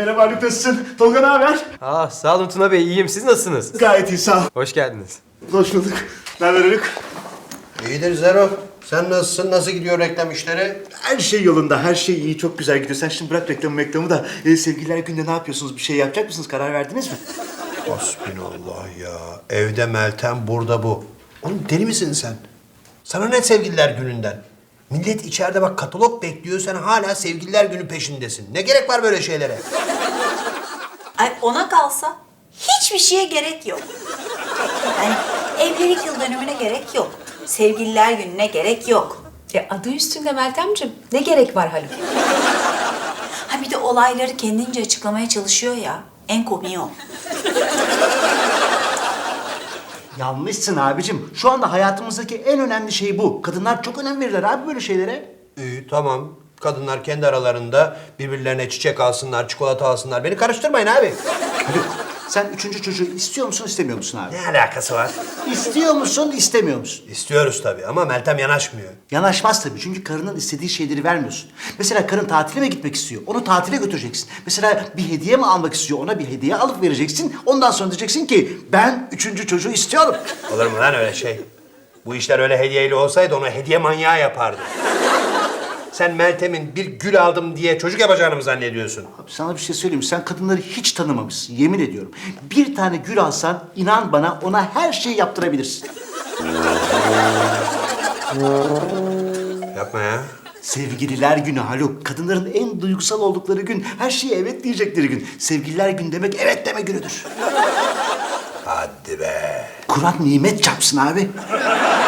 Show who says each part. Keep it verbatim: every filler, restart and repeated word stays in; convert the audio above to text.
Speaker 1: Merhaba Haluk, nasılsın? Tolga ne haber?
Speaker 2: Aa, sağ olun Tuna Bey, iyiyim. Siz nasılsınız?
Speaker 1: Gayet iyi, sağ ol.
Speaker 2: Hoş geldiniz.
Speaker 1: Hoş bulduk. Ne haber Haluk?
Speaker 3: İyidir Zero. Sen nasılsın? Nasıl gidiyor reklam işleri?
Speaker 1: Her şey yolunda, her şey iyi, çok güzel gidiyor. Sen şimdi bırak reklamı reklamı da e, sevgililer günde ne yapıyorsunuz? Bir şey yapacak mısınız? Karar verdiniz mi?
Speaker 3: Hasbinallah ya. Evde Meltem, burada bu. Oğlum deli misin sen? Sana ne sevgililer gününden? Millet içeride bak katalog bekliyor, sen hala sevgililer günü peşindesin. Ne gerek var böyle şeylere?
Speaker 4: Ay ona kalsa hiçbir şeye gerek yok. Yani evlilik yıl dönümüne gerek yok. Sevgililer gününe gerek yok.
Speaker 5: E adı üstünde Meltemciğim. Ne gerek var Haluk?
Speaker 4: Ha bir de olayları kendince açıklamaya çalışıyor ya. En komiği o.
Speaker 1: Yanlışsın abicim. Şu anda hayatımızdaki en önemli şey bu. Kadınlar çok önem verirler abi böyle şeylere.
Speaker 3: İyi tamam. Kadınlar kendi aralarında birbirlerine çiçek alsınlar, çikolata alsınlar. Beni karıştırmayın abi.
Speaker 1: Haluk, sen üçüncü çocuğu istiyor musun, istemiyor musun abi?
Speaker 3: Ne alakası var?
Speaker 1: İstiyor musun, istemiyor musun?
Speaker 3: İstiyoruz tabii ama Meltem yanaşmıyor.
Speaker 1: Yanaşmaz tabii çünkü karının istediği şeyleri vermiyorsun. Mesela karın tatile mi gitmek istiyor? Onu tatile götüreceksin. Mesela bir hediye mi almak istiyor? Ona bir hediye alıp vereceksin. Ondan sonra diyeceksin ki ben üçüncü çocuğu istiyorum.
Speaker 3: Olur mu lan öyle şey? Bu işler öyle hediyeyle olsaydı onu hediye manyağı yapardı. Sen Meltem'in bir gül aldım diye çocuk yapacağını mı zannediyorsun?
Speaker 1: Abi sana bir şey söyleyeyim mi? Sen kadınları hiç tanımamışsın. Yemin ediyorum. Bir tane gül alsan inan bana ona her şeyi yaptırabilirsin.
Speaker 3: Yapma ya.
Speaker 1: Sevgililer günü Haluk. Kadınların en duygusal oldukları gün. Her şeye evet diyecekleri gün. Sevgililer günü demek evet deme günüdür.
Speaker 3: Hadi be.
Speaker 1: Kur'an nimet çarpsın abi.